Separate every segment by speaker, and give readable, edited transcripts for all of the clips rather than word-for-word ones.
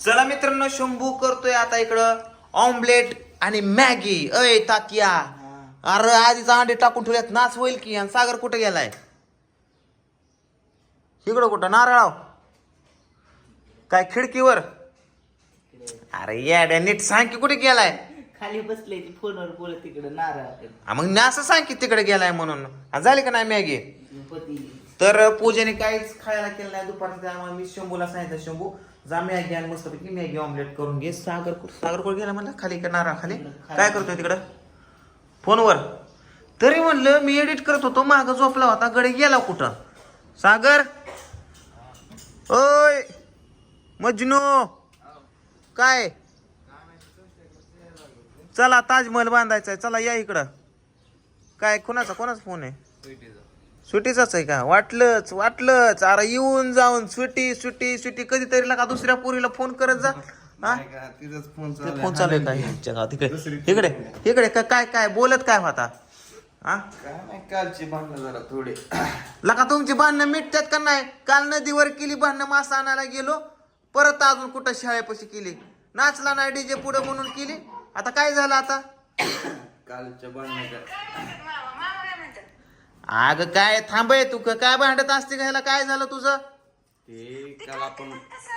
Speaker 1: चला मित्रांनो, शंभू करतोय आता इकडं ऑमलेट आणि मॅगी. अय तात्या, अरे आधीच अंडे टाकून ठेवल्यात, नाच होईल की. आणि सागर कुठे गेलाय? इकडं कुठं? नारळाव काय खिडकीवर? अरे येड्या, नीट सांग की कुठे गेलाय?
Speaker 2: खाली बसले फोनवर बोलत तिकडे नारळ.
Speaker 1: मग असं सांग की तिकडे गेलाय म्हणून. झाली का नाही मॅगी? तर पूजेने काहीच खायला केलं नाही दुपारचं, त्यामुळे मी शंभूला सांगितलं, शंभू जा मॅगी आणि मस्तपैकी मॅगी ऑमलेट करून घे. सागर कुठे गेला म्हणला? खाली का नारळ खाली? काय करतोय तिकडं फोनवर? तरी म्हणलं मी एडिट करत होतो, माग झोपला होता, गडे गेला कुठं? सागर, ओय मजनू, काय? चला ताजमहल बांधायचा, चला या इकडं. काय कोणाचा फोन आहे? स्वीटीचाच आहे का? वाटलंच. अरे येऊन जाऊन स्वीटी कधीतरी लागा दुसऱ्या पोरीला फोन करत जा. फोन चालू आहे का गावात? इकडे काय बोलत काय होता?
Speaker 3: कालची भांडणं जरा थोडी
Speaker 1: लका तुमची भांडणं मिटतात का नाही? काल नदीवर केली भांडणं, मासा आणायला गेलो, परत अजून कुठं शाळेपाशी केली, नाचला नाही डीजे पुढे म्हणून केली. आता काय झालं? आता
Speaker 3: कालच्या भांडणाच्या
Speaker 1: अगं काय थांबय तू, काय भांडत असते घ्यायला? काय झालं तुझं?
Speaker 3: ते काल आपण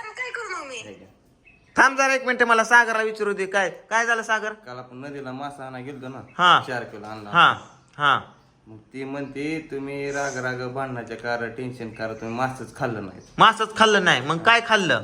Speaker 1: थांब जरा एक मिनिट, मला सागरला विचारू दे. काय झालं सागर?
Speaker 3: काल आपण नदीला मासा आणा गेलतो ना.
Speaker 1: हा.
Speaker 3: 4 किलो आणला.
Speaker 1: हा
Speaker 3: मग ती म्हणते तुम्ही राग भांडणाच्या कारण टेन्शन कारण तुम्ही मासच खाल्लं नाही.
Speaker 1: मासच खाल्लं नाही, मग काय खाल्लं?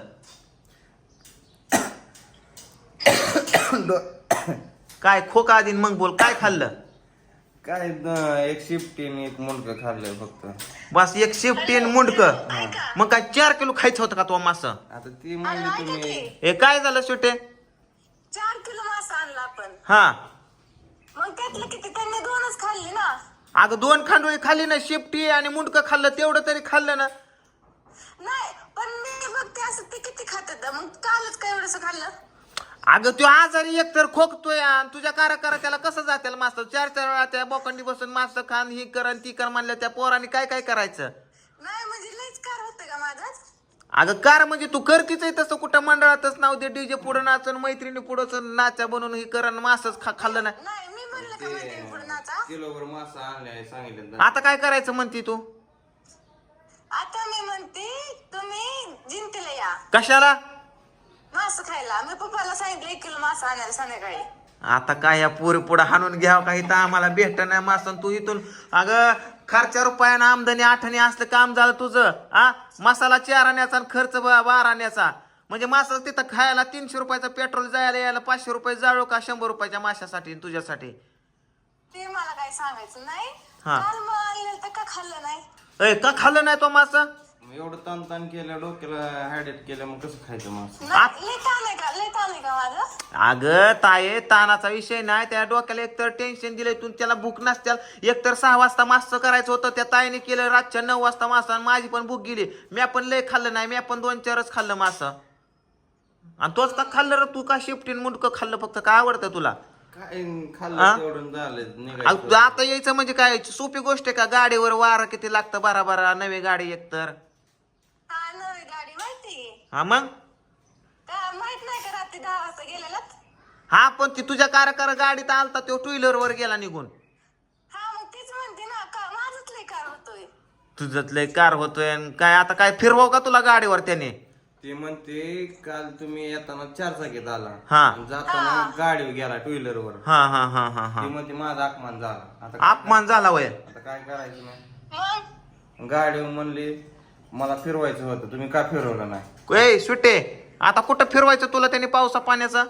Speaker 1: काय खोका आधी मग बोल, काय खाल्लं?
Speaker 3: काय एक शिफ्टीने एक मुंडक खाल्लंय फक्त.
Speaker 1: बस एक शिफ्टी मुंडक? मग काय 4 किलो खायचं होतं का तो मासा?
Speaker 3: आता ती म्हणली तुम्ही
Speaker 1: हे काय झालं सुटे?
Speaker 4: 4 किलो मासा आणला आपण.
Speaker 1: हा,
Speaker 4: मग त्यातलं किती? त्यांनी 2च खाल्ली ना.
Speaker 1: अगं 2 खांडोळी खाल्ली ना, शिफ्टी आणि मुंडक खाल्लं, तेवढं तरी खाल्लं ना.
Speaker 4: नाही पण मी बघते असं ते किती खातात, मग कालच काय एवढंसं खाल्लं?
Speaker 1: अगं तो आजारी एकतर खोकतोय, आणि तुझ्या कारा त्याला कसं जाते मास्तर? 4 वेळा त्या बोकंडी बसून मास्तर खान ही कर ती कर म्हणलं, त्या पोराने काय करायचं?
Speaker 4: नाही म्हणजे लईच कार होतं का माझाच?
Speaker 1: अगं कार म्हणजे तू करतीच आहे तसं, कुठं मंडळातच नाव दे, डीजे पुढं नाचन, मैत्रिणी पुढं नाचा बनवून ही कर, मासच खाल्लं नाही.
Speaker 4: नाही मी म्हणलं का मैत्रीण पुढे नाचा.
Speaker 3: किलोभर मासा आणलाय सांगितलं.
Speaker 1: आता काय करायचं म्हणती तू?
Speaker 4: आता मी म्हणते तुम्ही जिंतीला या
Speaker 1: कशाला?
Speaker 4: मासा खायला. मी पप्पाला सांगितलं 1 किलो मासा आणायला संध्याकाळी.
Speaker 1: आता काय या पुरी पुढे हाणून घ्यावं काही, तर आम्हाला भेटत नाही मासन. तू इथून अगं खर्चा रुपयानं आमदनी 8 असलं काम झालं तुझं. मसाला 4 आण्याचा आणि खर्च 12 आण्याचा, म्हणजे मासा तिथं खायला 300 रुपयाचं पेट्रोल जायला यायला 500 रुपये जाळो का 100 रुपयाच्या माशासाठी तुझ्यासाठी?
Speaker 4: ते मला काय सांगायचं नाही.
Speaker 1: हा.
Speaker 4: काल मग आणलं तर का खाल्लं नाही?
Speaker 1: का खाल्लं नाही तो मासा?
Speaker 3: एवढं ताण केलं, डोक्याला हायडेट केलं, मग कसं खायचं मास?
Speaker 4: लई ताण आहे का माझं?
Speaker 1: अगं ताये, तानाचा विषय नाही, त्या डोक्याला एकतर टेन्शन दिलंय तू, त्याला भूक नसत्याल. एकतर 6 वाजता मासं करायचं होतं, त्या ताईने केलं रातच्या 9 वाजता मासा, आणि माझी पण भूक गेली. मी पण लय खाल्लं नाही, मी पण 2-4च खाल्लं मासं. आणि तोच का खाल्लं रे तू? का शिफ्टीन मुंडकं खाल्लं फक्त? काय आवडतं तुला?
Speaker 3: काय खाल्लं तेवढं झालं निघायचं.
Speaker 1: आता यायचं म्हणजे काय सोपी गोष्ट आहे का? गाडीवर वारं किती लागतं, बारा नवी गाडी एकतर.
Speaker 4: हा नवी गाडी माहिती
Speaker 1: हा मग
Speaker 4: का? माहित नाही का रात्री 10 वाजता गेलेलात?
Speaker 1: हा, पण ती तुझ्या कार गाडीत आलता, तो 2 वर गेला निघून.
Speaker 4: हा मग तीच म्हणते ना का माझंच लई कार होतोय.
Speaker 1: तुझंच लय कार होतोय. आणि काय आता काय फिरवाव का तुला गाडीवर त्याने?
Speaker 3: ते म्हणते काल तुम्ही येताना 4 चाकीत आला,
Speaker 1: हा.
Speaker 3: आणि जाताना गाडीवर गेला 2 व्हीलरवर.
Speaker 1: हा
Speaker 3: ते म्हणते माझा अपमान झाला. आता
Speaker 1: अपमान झाला वय.
Speaker 3: आता काय करायचं नाही.
Speaker 4: मग
Speaker 3: गाडीवर म्हणले मला फिरवायचं होतं, तुम्ही का फिरवलं नाही?
Speaker 1: ए सुटे, आता कुठं फिरवायचं तुला त्याने पावसा पाण्याचा?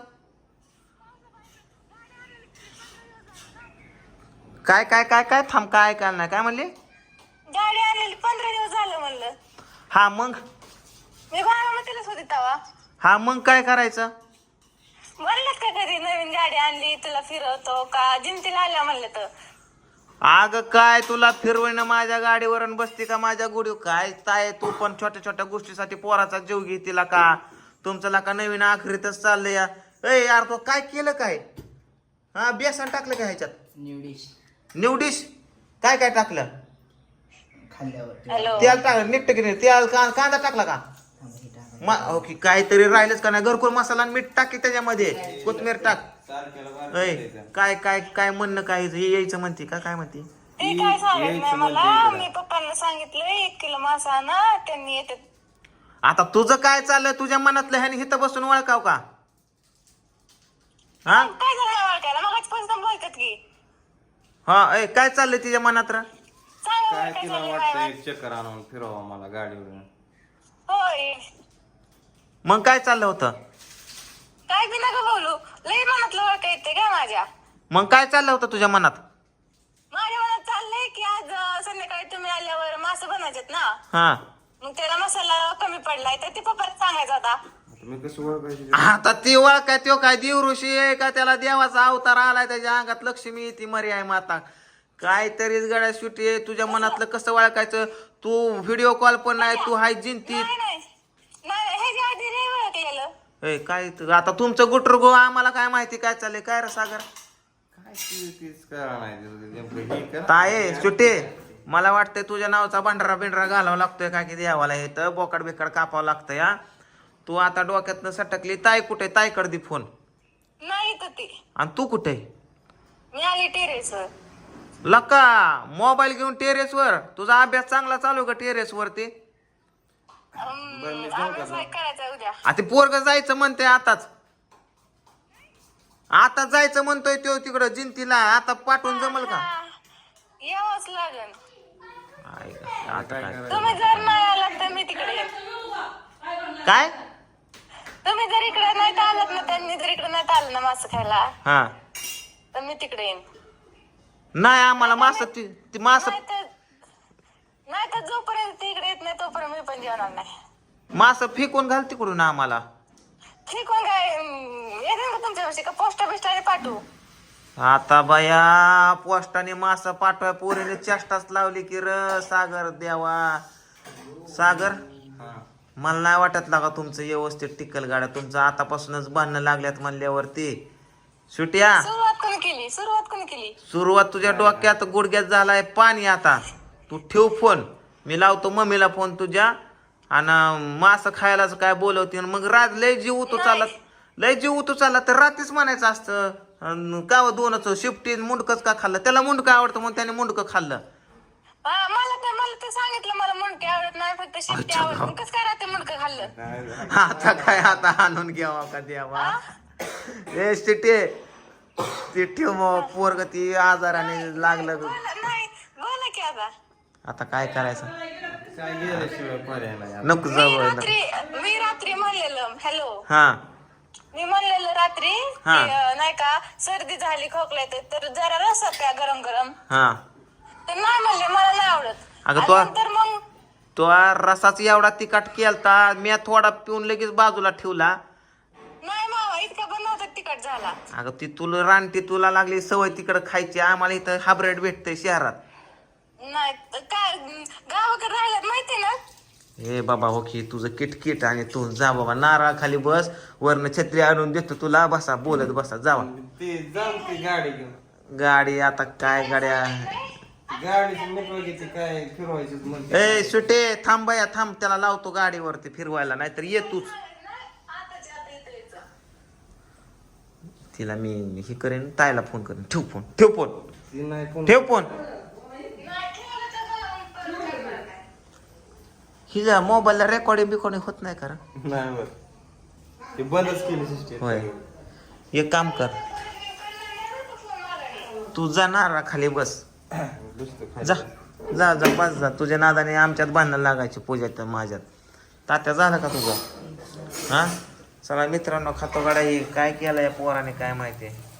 Speaker 1: काय थांब, काय नाही, काय म्हणले?
Speaker 4: गाडी आणलेली 15 दिवस झालं म्हणलं.
Speaker 1: हा मग
Speaker 4: मी बारामतीलाच होते तेव्हा.
Speaker 1: हा मग काय करायचं?
Speaker 4: म्हणलं का कधी नवीन गाडी आणली तुला फिरवतो का? जिंतीला आल्या म्हणलं तर.
Speaker 1: अगं काय तुला फिरवणं माझ्या गाडीवर बसते का माझ्या गुडीवर? काय ताय तू पण छोट्या गोष्टीसाठी पोराचा जीव घेतीला का? तुमचं का नवीन आखरीतच चाललंय या. ए यार तो काय केलं काय? हा, बेसन टाकलं का ह्याच्यात? निवडीश काय टाकलं?
Speaker 2: खाल्ल्यावर
Speaker 4: हॅलो
Speaker 1: तेल टाकलं नीट की नाही? तेल कांदा टाकला का? ओके काहीतरी राहिलंच का नाही घरकुल मसाला आणि मीठ टाक की त्याच्यामध्ये कोथमीर टाक.
Speaker 3: सारख्याला बारकं
Speaker 1: ऐ
Speaker 3: द्यायचं.
Speaker 1: काय काय काय म्हणणं काय हे यायचं म्हणते का काय म्हणते.
Speaker 4: ते काय सांगत नाही
Speaker 3: यायचं
Speaker 4: मला.
Speaker 3: म्हणते
Speaker 4: मी पप्पांना सांगितलं 1 किलो मासा ना त्यांनी येते.
Speaker 1: आता तुझं काय चाललंय तुझ्या मनातलं ह्याने इथं बसून वळकाव का हा
Speaker 4: काय झालं ओळखायला मग आजपासून बोलतात की
Speaker 1: हा ऐ काय चाललंय तिच्या मनात रा
Speaker 4: सांगा
Speaker 3: काय
Speaker 4: बरं काय
Speaker 3: तिला
Speaker 4: झालं
Speaker 3: वाटतं
Speaker 4: काय
Speaker 3: एक चक्कर आणून फिरवा मला गाडीवर.
Speaker 4: होय
Speaker 1: मग काय चाललं होतं.
Speaker 4: काय बी नका बोलू. लई मनातलं ओळख येते का माझ्या
Speaker 1: मग काय चाललं होतं तुझ्या मनात.
Speaker 4: माझ्या मनात चाललंय की आज संध्याकाळी तुम्ही आल्यावर मासे बनायचेत ना.
Speaker 1: हा
Speaker 4: मग त्याला मसाला कमी पडलाय तर ते पप्पाला सांगायचा होता.
Speaker 3: आता मी कसं ओळखायचं.
Speaker 1: आता ती ओळख काय तो काय देव ऋषी आहे का त्याला देवाचा अवतार आलाय त्याच्या अंगात लक्ष्मी ती मरी आहे माता काहीतरीच गड्या सुटी आहे तुझ्या मनातलं कसं ओळखायचं. तू व्हिडिओ कॉल पण नाही तू हाय जिंती
Speaker 4: नाही नाही नाही ह्याच्या आधी नाही ओळखलेलं.
Speaker 1: ए काय आता तुमचं गुटरगो आम्हाला काय माहिती काय चाललंय काय रे सागर
Speaker 3: काय तीच करा नाही नेमकं हे करा.
Speaker 1: ताये सुटे मला वाटतंय तुझ्या नावाचा भांडरा बिंडरा घालावा लागतोय काय की देवाला हे तर बोकाड बिकाड कापावं लागतंय हा. तू आता डोक्यातनं सटकली ताई कुठे ताईकडे दे फोन.
Speaker 4: नाही तर ते
Speaker 1: आणि तू कुठे
Speaker 4: मी आली टेरेसवर.
Speaker 1: लका मोबाईल घेऊन टेरेसवर तुझा अभ्यास चांगला चालू का टेरेस वरती.
Speaker 4: अभ्यास करायचा उद्या.
Speaker 1: आता पोरग जायचं म्हणते आताच आता जायचं म्हणतोय तो तिकडं जिंतीला आता पाठवून जमल का.
Speaker 4: यावंच लागेल.
Speaker 1: आता काय
Speaker 4: तुम्ही जर नाही आलात तर मी तिकडे येईन.
Speaker 1: काय
Speaker 4: तुम्ही जर इकडे नाही आलात ना त्यांनी जर इकडे नाही आलं ना मासं खायला
Speaker 1: हा
Speaker 4: तर मी तिकडे येईन.
Speaker 1: नाही आम्हाला मास ती मास
Speaker 4: नाही तर जोपर्यंत ती इकडे येत नाही तोपर्यंत मी पण जेवणार नाही.
Speaker 1: मास फेकून घाल तिकडून आम्हाला.
Speaker 4: ठीक आहे काय येते का तुमच्यापाशी का पोस्ट बिस्टाने पाठवू.
Speaker 1: आता बाया पोस्टाने मास पाठवाय पोरीने चेष्टाच लावली की र सागर देवा सागर मला नाही वाटत लागा तुमचं व्यवस्थित टिकल गाड्या तुमचं आतापासूनच बांधणं लागल्यात म्हणल्यावरती सुट्या
Speaker 4: सुरुवात कोणी केली.
Speaker 1: सुरुवात तुझ्या डोक्यात गुडघ्यात झालाय पाणी. आता तू ठेव फोन मी लावतो मम्मीला फोन तुझ्या आणि मास खायलाच काय बोलवते मग रात लय जीव तू चालला तर रात्रीच म्हणायचं असतं का दोनच शिफ्टी मुंडकच का खाल्लं त्याला मुंडकं आवडतं म्हणून त्याने मुंडकं खाल्लं.
Speaker 4: मला ते सांगितलं मला मुंडके आवडत नाही फक्त शिट्टी आवडत. कसं काय राहते मुंडकं खाल्लं.
Speaker 1: आता काय आता आणून घ्यावा का द्यावा ए शिटे ती ठेव मग पोरग ती आजाराने लागलं
Speaker 4: नाही बोला की
Speaker 1: आता काय करायचं
Speaker 3: काय गेल्याशिवाय पर्याय नाही.
Speaker 1: नको जाऊ
Speaker 4: मी रात्री म्हणलेलं हॅलो
Speaker 1: हा
Speaker 4: मी म्हणलेलं रात्री
Speaker 1: हा.
Speaker 4: की, नाही का सर्दी झाली खोकला येते तर जरा रस प्या गरम गरम
Speaker 1: हा
Speaker 4: तर नाही म्हणले मला नाही आवडत.
Speaker 1: अगं
Speaker 4: आणि
Speaker 1: तो-
Speaker 4: नंतर मग
Speaker 1: तो रसाचा एवढा तिखट केलता मी थोडा पिऊन लगेच बाजूला ठेवला.
Speaker 4: नाही मावा इतका पण नव्हता तिखट झाला.
Speaker 1: अगं ती तुला रानटी तुला लागली सवय तिकडं खायची आम्हाला इथं हायब्रिड भेटतंय शहरात.
Speaker 4: नाही तर काय गावाकडे राहिल्यात माहिती ना.
Speaker 1: हे बाबा हो की तुझं किटकिट आणि तू जा बाबा नारळ खाली बस वरनं छत्री आणून देतो तुला बसा बोलत बसा जावा.
Speaker 3: ते जाऊ ती गाडी घेऊन
Speaker 1: गाडी आता काय गाड्या
Speaker 3: गाडीची मोकळी ते काय फिरवायचं म्हणते.
Speaker 1: ए सुटे थांब बाया थांब त्याला लावतो गाडीवरती फिरवायला नाहीतर ये तूच. तिला मी हे करेन ताईला फोन करेन ठेव फोन
Speaker 3: ती नाही कोण
Speaker 1: ठेव फोन. हिजा मोबाईलला रेकॉर्डिंग बिकॉर्डिंग होत नाही का रे?
Speaker 3: नाही बर ते बंदच केली सिस्टीम.
Speaker 1: होय एक काम कर तू जाणार खाली बस जा जा जा बस जा तुझ्या नादाने आमच्यात बांधणं लागायची पूजात माझ्यात. तात्या झालं का तुझं हा चला मित्रांनो खातो गाड्या काय केलं या पोराने काय माहिती.